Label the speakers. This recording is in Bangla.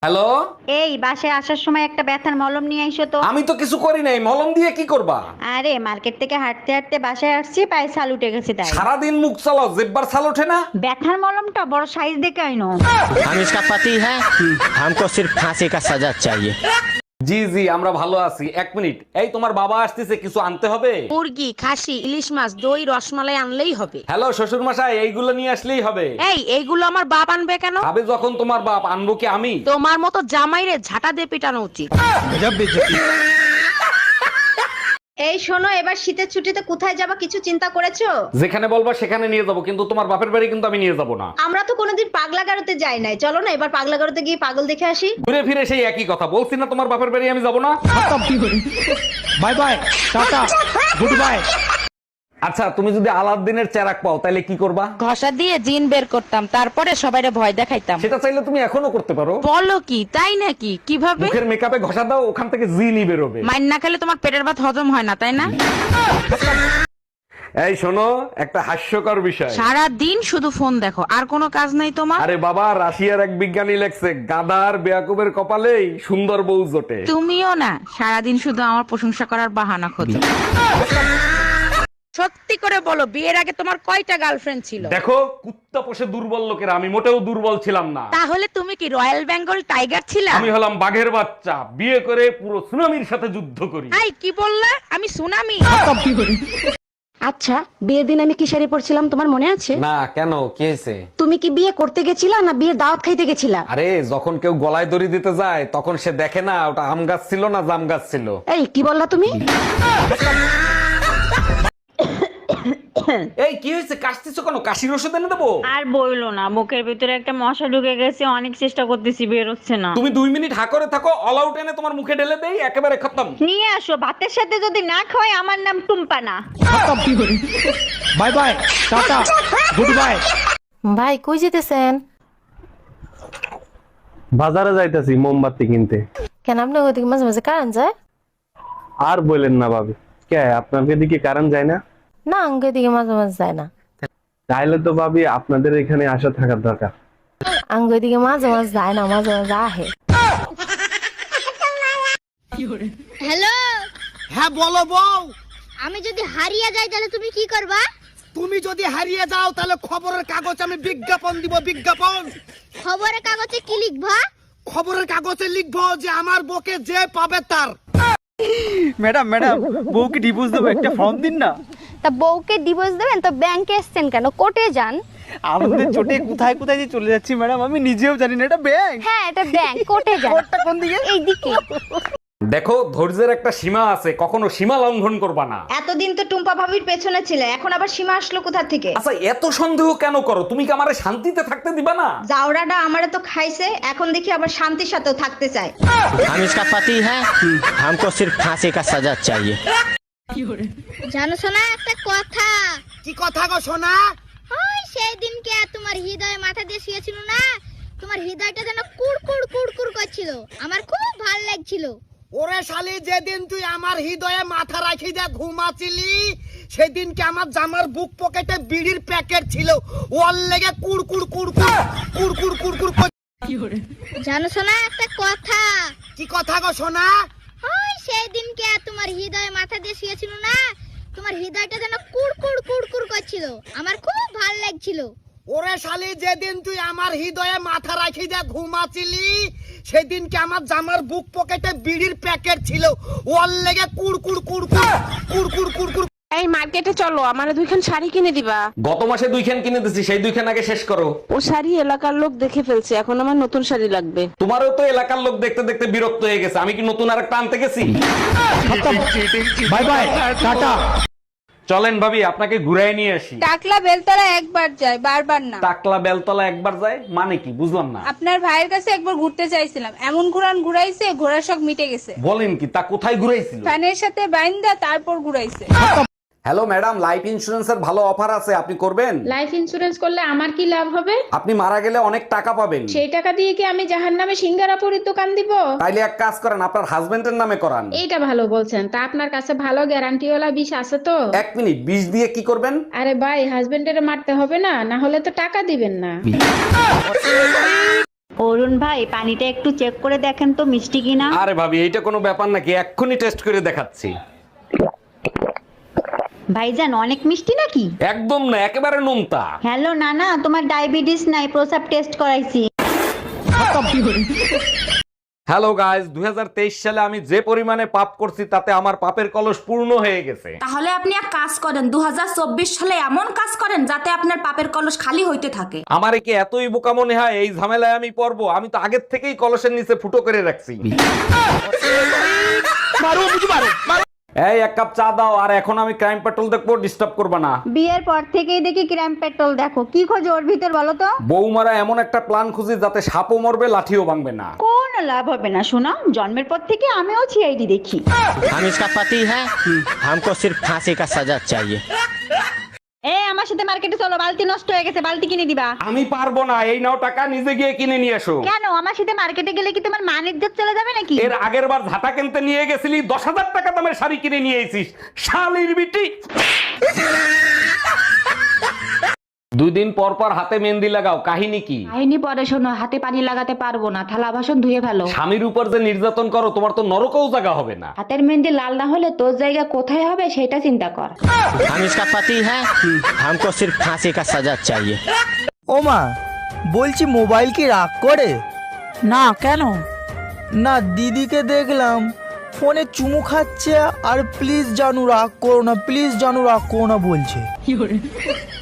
Speaker 1: হ্যালো,
Speaker 2: এই বাসায় আসার সময় একটা ব্যথার মলম নিয়ে আইসো তো।
Speaker 1: আমি তো কিছু করি নাই, মলম দিয়ে কি করবা?
Speaker 2: আরে মার্কেট থেকে হাঁটতে হাঁটতে বাসায় আসছি, পায়ে ছাল উঠে গেছে তাই।
Speaker 1: সারাদিন মুখ চালাও, জেব্বার ছাল ওঠে না?
Speaker 2: ব্যথার মলমটা বড় সাইজ দেখে আইনো।
Speaker 3: हम इसका पति है हमको सिर्फ फांसी का सजा चाहिए।
Speaker 1: জি জি, আমরা ভালো আছি। এক মিনিট, এই তোমার বাবা আসতেছে, কিছু আনতে হবে?
Speaker 4: মুরগি, খাসি, ইলিশ মাছ, দই, রসমালাই আনলেই হবে।
Speaker 1: হ্যালো শ্বশুর মশাই, এইগুলো নিয়ে আসলেই হবে।
Speaker 4: এইগুলো আমার বাপ আনবে কেন?
Speaker 1: আবে যখন তোমার বাপ, আনবো কি আমি?
Speaker 4: তোমার মতো জামাইরে ঝাঁটা দিয়ে পিটানো উচিত।
Speaker 2: এই শোনো, এবার শীতের ছুটিতে কোথায় যাবা কিছু চিন্তা করেছো?
Speaker 1: যেখানে বলবা সেখানে নিয়ে যাবো, কিন্তু তোমার বাপের বাড়ি কিন্তু আমি নিয়ে যাবো না।
Speaker 2: আমরা তো কোনোদিন পাগলা গারোতে যাই নাই, চলো না এবার পাগলা গারোতে গিয়ে পাগল দেখে আসি।
Speaker 1: ঘুরে ফিরে সেই একই কথা বলছি না, তোমার বাপের বাড়ি আমি যাবো না।
Speaker 3: Bye bye tata goodbye.
Speaker 1: আচ্ছা, তুমি যদি আলাদিনের চেরাক পাও তাহলে কি করবা?
Speaker 4: ঘষা দিয়ে জিন বের করতাম, তারপরে সবাইরে ভয় দেখাইতাম।
Speaker 1: সেটা চাইলে তুমি এখনো করতে পারো।
Speaker 4: বলো কি, তাই নাকি? কিভাবে?
Speaker 1: মুখের মেকআপে ঘষা দাও, ওখান থেকে জিনি বেরোবে।
Speaker 4: মাইন না খেলে তোমার পেটের ভাত হজম হয় না, তাই না?
Speaker 1: এই শোনো, একটা হাস্যকর বিষয়।
Speaker 4: সারা দিন শুধু ফোন দেখো, আর কোনো কাজ নাই তোমার?
Speaker 1: আরে বাবা, রাশিয়ার এক বিজ্ঞানী লেখছে, গাদার বেয়াকুবের কপালেই সুন্দর বউ জোটে।
Speaker 4: তুমিও না সারাদিন শুধু আমার প্রশংসা করার বাহানা খোঁজো। সত্যি করে বলো, বিয়ের আগে তোমার কয়টা গার্লফ্রেন্ড ছিল?
Speaker 1: দেখো, কুত্তা পোষে দুর্বল লোকেরা, আমি মোটেও দুর্বল ছিলাম না।
Speaker 4: তাহলে তুমি কি রয়্যাল বেঙ্গল টাইগার ছিলা?
Speaker 1: আমি হলাম বাঘের বাচ্চা, বিয়ে করে পুরো সুনামির সাথে যুদ্ধ করি।
Speaker 4: আই কি বললা? আমি সুনামি?
Speaker 5: আচ্ছা, বিয়ের দিন আমি কি শাড়ি পরছিলাম তোমার মনে আছে?
Speaker 1: না, কেন, কি হয়েছে?
Speaker 5: তুমি কি বিয়ে করতে গেছিলা না বিয়ের দাওয়াত খাইতে গেছিলা?
Speaker 1: আরে যখন কেউ গলায় দড়ি দিতে যায় তখন সে দেখে না ওটা আম গাছ ছিল না জাম গাছ ছিল।
Speaker 5: এই কি বললা তুমি?
Speaker 1: এই কি হয়েছে, কাশতেছো কেন? কাশির ওষুধ এনে দেবো?
Speaker 2: আর বইলো না, বুকের ভিতরে একটা মশা ঢুকে গেছে, অনেক চেষ্টা করতেছি বের হচ্ছে না।
Speaker 1: তুমি 2 মিনিট হা করে থাকো, অল আউট এনে তোমার মুখে ঢেলে দেই, একেবারে খতম।
Speaker 2: নিয়ে আসো, ভাতের সাথে যদি না খাওয়াই আমার নাম টুম্পা না।
Speaker 3: Bye bye tata goodbye.
Speaker 5: ভাই কই যেতেছেন?
Speaker 6: বাজারে যাইতাছি মোমবাতি কিনতে।
Speaker 5: কেন আপনি ওদিকে মাঝে মাঝে কারেন্ট যায়?
Speaker 6: আর বলেন না ভাবি, কে আপনাদের দিকে কারেন্ট যায় না?
Speaker 5: না আঙ্গে দিকে মাঝে মাঝে যায় না।
Speaker 6: তাইলে তো ভাবি আপনাদের এখানে আসা থাকার দরকার।
Speaker 5: আঙ্গে দিকে মাঝে মাঝে যায় না, মাঝে মাঝে আহে।
Speaker 7: হ্যালো,
Speaker 8: হ্যাঁ বলো বউ।
Speaker 7: আমি যদি হারিয়ে যাই তাহলে তুমি কি করবা?
Speaker 8: তুমি যদি হারিয়ে যাও তাহলে খবরের কাগজে আমি বিজ্ঞাপন দিব, বিজ্ঞাপন।
Speaker 7: খবরের কাগজে কি লিখবা?
Speaker 8: খবরের কাগজে লিখবো যে আমার বউকে যে পাবে তার।
Speaker 9: ম্যাডাম ম্যাডাম, বউকে ডিভোর্স দেবো, একটা ফর্ম দিন না।
Speaker 7: তা বউকে ডিভোর্স দেবেন তো ব্যাংকে এসছেন কেন? কোর্টে যান।
Speaker 9: আমাদের চোটে কোথায় কোথায় যে চলে যাচ্ছি ম্যাডাম, আমি নিজেও জানি না। এটা ব্যাংক।
Speaker 7: হ্যাঁ এটা ব্যাংক, কোর্টে যান।
Speaker 9: কোর্টটা কোন দিকে?
Speaker 7: এইদিকে।
Speaker 1: দেখো, ধৈর্যের একটা সীমা আছে, কখনো সীমা লঙ্ঘন করবা না।
Speaker 2: এতদিন তো টুম্পা ভাবির পেছনে ছিলে, এখন আবার সীমা আসলো কোথা থেকে?
Speaker 1: আচ্ছা, এত সন্দেহ কেন করো? তুমি কি আমারে শান্তিতে থাকতে দিবা না?
Speaker 2: জাউরাটা আমারে তো খাইছে, এখন দেখি আবার শান্তির সাথেও থাকতে চায়।
Speaker 3: हम इसका पति है हमको सिर्फ फांसी का सजा चाहिए।
Speaker 7: জানো শোনা একটা কথা?
Speaker 8: কি কথা গো সোনা?
Speaker 7: ওই সেই দিনকে তোমার হৃদয়ে মাথা দিয়ে শুয়েছিল না, তোমার হৃদয়টা যেন কুড়কুড় কুড়কুড় করছিল, আমার খুব ভালো লাগছিল।
Speaker 8: ওরে শালি, যেদিন তুই আমার হৃদয়ে মাথা রাখি দিয়ে ঘুমাছিলি সেদিনকে আমার জামার বুক পকেটে বিড়ির প্যাকেট ছিল, ওর লেগে কুড়কুড় কুড়কুড় কুড়কুড় কুড়কুড় কর।
Speaker 7: জানো শোনা একটা কথা?
Speaker 8: কি কথা গো সোনা?
Speaker 7: ওই সেই দিনকে তোমার হৃদয়ে মাথা দিয়ে শুয়েছিল না, তোমার হৃদয়টা যেন কুড়কুড় কুড়কুড় করছিল, আমার খুব ভালো লাগছিল।
Speaker 8: ওরে শালি, যেদিন তুই আমার হৃদয়ে মাথা রাখি দিয়ে ঘুমাছিলি সেদিনকে আমার জামার বুক পকেটে বিড়ির প্যাকেট ছিল, ওর লেগে কুড়কুড় কুড়কুড় কুড়কুড় কুড়কুড়।
Speaker 4: এই মার্কেটে চলো, আমার 2খান শাড়ি কিনে দিবা।
Speaker 1: গত মাসে 2খান কিনে দিছি, সেই 2খান আগে শেষ করো।
Speaker 4: ও শাড়ি এলাকার লোক দেখে ফেলছে, এখন আমার নতুন শাড়ি লাগবে।
Speaker 1: তোমারও তো এলাকার লোক দেখতে দেখতে বিরক্ত হয়ে গেছে, আমি কি নতুন আর একটা আনতে গেছি?
Speaker 3: Bye bye tata.
Speaker 1: চলেন ভাবি, আপনাকে ঘুরাই নিয়ে আসি।
Speaker 10: টাকলা বেলতলা একবার যায়, বারবার না।
Speaker 1: টাকলা বেলতলা একবার যায় মানে কি, বুঝলাম না।
Speaker 10: আপনার ভাইয়ের কাছে একবার ঘুরতে চাইছিলাম, এমন ঘুরাইছে, ঘোড়ার শখ মিটে গেছে।
Speaker 1: বলেন কি, তা কোথায় ঘুরাইছিল?
Speaker 10: ফ্যানের সাথে বাইন্দা তারপর ঘুরাইছে।
Speaker 1: হ্যালো ম্যাডাম, লাইফ ইন্সুরেন্সের ভালো অফার আছে, আপনি করবেন?
Speaker 10: লাইফ ইন্সুরেন্স করলে আমার কি লাভ হবে?
Speaker 1: আপনি মারা গেলে অনেক টাকা পাবেন।
Speaker 10: সেই টাকা দিয়ে কি আমি জাহান্নামে সিঙ্গারাপুরীর দোকান দিব?
Speaker 1: তাইলে এক কাজ করেন, আপনার হাজবেন্ডের নামে করান।
Speaker 10: এইটা ভালো বলছেন, তা আপনার কাছে ভালো গ্যারান্টিওয়ালা বিষ আছে তো?
Speaker 1: 1 মিনিট, বিষ দিয়ে কি করবেন?
Speaker 10: আরে ভাই, হাজবেন্ডের মারতে হবে না, না হলে তো টাকা দিবেন না।
Speaker 2: অরুণ ভাই পানিটা একটু চেক করে দেখেন তো মিষ্টি কিনা।
Speaker 1: আরে ভাবি এইটা কোনো ব্যাপার নাকি, এক্ষুনি টেস্ট করে দেখাচ্ছি।
Speaker 2: ভাইজান অনেক মিষ্টি নাকি?
Speaker 1: একদম না, একেবারে নোনতা।
Speaker 2: হ্যালো নানা, তোমার ডায়াবেটিস নাই, প্রসাব টেস্ট করাইছি।
Speaker 1: হ্যালো গাইস, 2023 সালে আমি যে পরিমাণে পাপ করছি তাতে আমার পাপের কলস পূর্ণ হয়ে গেছে।
Speaker 10: তাহলে আপনি এক কাজ করেন, 2024 সালে এমন কাজ করেন যাতে আপনার পাপের কলস খালি হইতে থাকে।
Speaker 1: আমার কি এতই বোকা মনে হয় এই ঝামেলায় আমি পড়বো? আমি তো আগের থেকেই কলসের নিচে ফুটো করে রাখছি। এই এক কাপ চা দাও, আর এখন আমি ক্রাইম পেট্রোল দেখবো, ডিস্টার্ব করবা না।
Speaker 2: বিয়ের পর থেকেই দেখি ক্রাইম পেট্রোল দেখো, কি খোঁজো ওর ভিতর বলো তো?
Speaker 1: বৌমারা এমন একটা প্ল্যান খুঁজি যাতে সাপও মরবে লাঠিও ভাঙবে না।
Speaker 2: কোনো লাভ হবে না শোনা, জন্মের পর থেকে আমিও সিআইডি দেখি।
Speaker 3: हम इसका पति है, हमको सिर्फ फांसी का सजा चाहिए।
Speaker 2: এ আমার সাথে মার্কেটে চলো, বালতি নষ্ট হয়ে গেছে, বালতি কিনে দিবা।
Speaker 1: আমি পারবো না, এই নাও টাকা, নিজে গিয়ে কিনে নিয়ে এসো।
Speaker 2: কেন, আমার সাথে মার্কেটে গেলে কি তোমার মান ইজ্জত চলে যাবে নাকি?
Speaker 1: এর আগের বার ঝাঁটা কিনতে নিয়ে গেছিলি, 10,000 টাকা দামের শাড়ি কিনে নিয়ে এসিস, শালির বিটি। 2 দিন পর পর হাতে মেহেন্দি লাগাও, কাহিনী কি?
Speaker 5: কাহিনী পরে শোনো, হাতে পানি লাগাতে পারবো না, থালা বাসন ধুয়ে ফেলো।
Speaker 1: স্বামীর উপর যে নির্যাতন করো, তোমার তো নরকেও জায়গা হবে না।
Speaker 5: হাতের মেহেন্দি লাল না হলে তোর জায়গা কোথায় হবে সেটা চিন্তা কর।
Speaker 3: हम इसका पति है, हमको सिर्फ फांसी का सजा चाहिए।
Speaker 9: ও মা, বলছি মোবাইল কি রাগ করে?
Speaker 4: না কেন?
Speaker 9: না, দিদিকে দেখলাম ফোনে চুমু খাচ্ছে আর প্লিজ জানু রাগ করো না, প্লিজ জানু রাগ করো না বলছে।